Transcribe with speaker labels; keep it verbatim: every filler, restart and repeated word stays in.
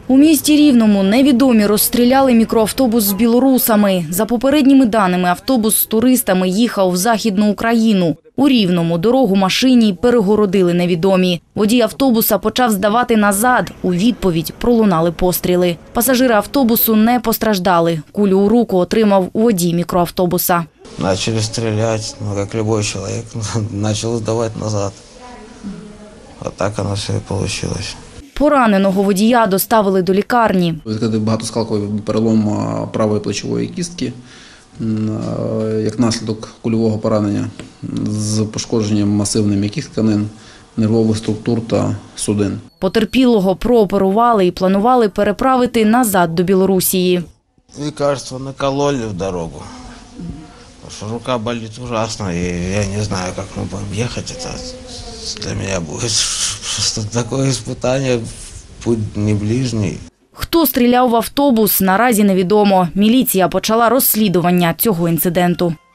Speaker 1: У місті Рівному невідомі розстріляли мікроавтобус з білорусами. За попередніми даними, автобус з туристами їхав в Західну Україну. У Рівному дорогу машині перегородили невідомі. Водій автобуса почав здавати назад. У відповідь пролунали постріли. Пасажири автобусу не постраждали. Кулю у руку отримав водій мікроавтобуса.
Speaker 2: Начали стрелять, ну, как любой человек, начал сдавать назад. А так оно все и получилось.
Speaker 1: Пораненого водія доставили до лікарні.
Speaker 3: Багатоскалковий перелом правої плечової кістки, як наслідок кульового поранення з пошкодженням масивних м'яких тканин, нервових структур та судин.
Speaker 1: Потерпілого прооперували і планували переправити назад до Білорусії.
Speaker 2: Лекарства накололи в дорогу. Потому что рука болит ужасно, и я не знаю, как мы будем ехать. Это для меня будет просто такое испытание, путь не ближний.
Speaker 1: Хто стріляв в автобус, наразі невідомо. Міліція почала розслідування цього інциденту.